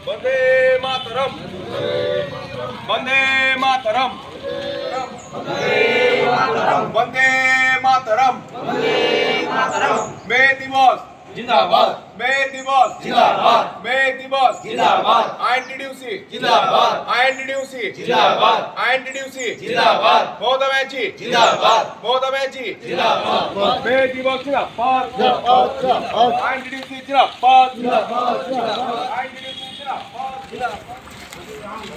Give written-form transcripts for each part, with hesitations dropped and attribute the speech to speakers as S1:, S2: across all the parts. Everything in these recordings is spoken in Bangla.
S1: वंदे मातरम, वंदे मातरम, वंदे मातरम, मे दिवस
S2: जिंदाबाद,
S1: मे दिवस
S2: जिंदाबाद,
S1: मे दिवस
S2: जिंदाबाद,
S1: आयएनटीडीसी
S2: जिंदाबाद,
S1: आयएनटीडीसी
S2: जिंदाबाद,
S1: आयएनटीडीसी
S2: जिंदाबाद,
S1: ममता बनर्जी
S2: जिंदाबाद,
S1: ममता बनर्जी
S2: जिंदाबाद,
S1: मे दिवस जिंदाबाद आयएनटीडीसी जिंदाबाद आयएनटीडीसी जिंदाबाद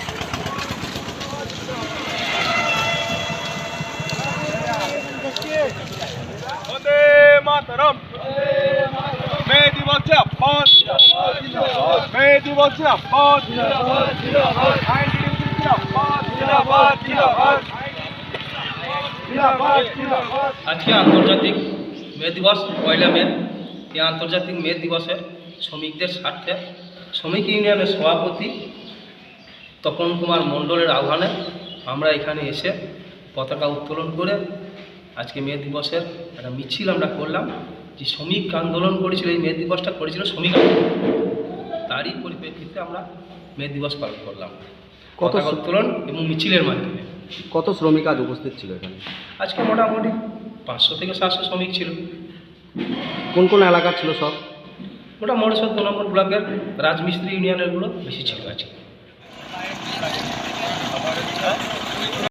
S1: वंदे मातरम मे दिवस जिंदाबाद मे दिवस जिंदाबाद आयएनटीडीसी जिंदाबाद जिंदाबाद जिंदाबाद जिंदाबाद जिंदाबाद
S3: আজকে আন্তর্জাতিক মে দিবস 1 মে। এই আন্তর্জাতিক মে দিবসে শ্রমিকদের স্বার্থে শ্রমিক ইউনিয়নের সভাপতি তপন কুমার মণ্ডলের আহ্বানে আমরা এখানে এসে পতাকা উত্তোলন করে আজকে মে দিবসের একটা মিছিল আমরা করলাম। যে শ্রমিক আন্দোলন করেছিল, এই মে দিবসটা করেছিল শ্রমিক আন্দোলন, তারই পরিপ্রেক্ষিতে আমরা মে দিবস পালন করলাম পতাকা উত্তোলন এবং মিছিলের মাধ্যমে।
S4: কত শ্রমিক আজ উপস্থিত ছিল এখানে?
S3: আজকে মোটামুটি 500 থেকে 700 শ্রমিক ছিল।
S4: কোন কোন এলাকার ছিল সব?
S3: ওটা মহেশ্বর 2 নম্বর ব্লকের রাজমিস্ত্রি ইউনিয়নেরগুলো বেশি ছিল আজকে।